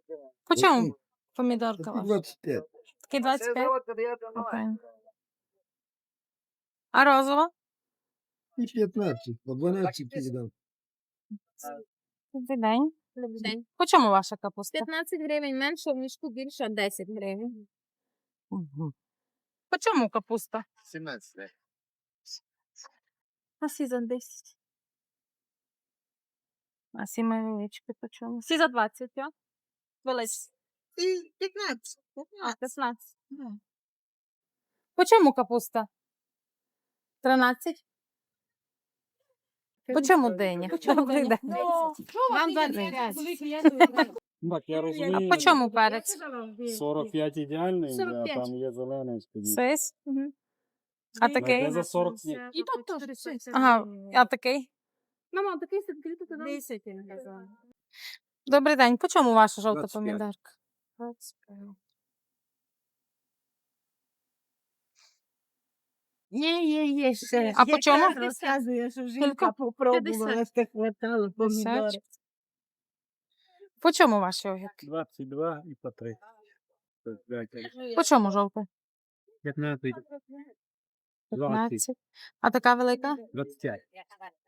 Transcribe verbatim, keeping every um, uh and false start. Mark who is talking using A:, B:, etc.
A: По чому помідорка ваша?
B: двадцять п'ять.
A: Такий двадцять п'ять? Окей. А розова?
B: І п'ятнадцять, по дванадцять кидав.
A: Добрий день.
C: Добрий день.
A: По чому ваша капуста?
C: п'ятнадцять гривень менше, в мішку більше десять гривень.
A: Угу. По чому капуста?
B: сімнадцять.
A: А сі за десять. А сі невеличкі по чому? Сі за двадцять, я? Велиць.
C: І п'ятнадцять.
A: А, п'ятнадцять. По чому капуста? тринадцять. По чому диня? Добрий день.
C: Вам двадцять п'ять.
D: Так, я
A: А
D: розумію.
A: по чому перець?
D: сорок п'ять ідеальний,
C: сорок
D: а
C: п'ять.
D: там є зелений. скажіть.
A: Сись? А такий?
D: Я за сорок ні.
C: І тут теж шість.
A: Ага, а такий?
C: Мама, такий сидить, тут десять, я казала.
A: Добрий день. По чому ваша жовта
B: двадцять п'ять.
A: помідорка? двадцять п'ять.
E: Є, є, є ще.
A: А по чому?
E: Якраз розказує, що жінка попробувала, що хватало помідори.
A: п'ятдесят. По чому ваші огірки?
D: двадцять два і по три.
A: По чому жовтий?
D: п'ятнадцять.
A: п'ятнадцять. А така велика?
D: двадцять п'ять.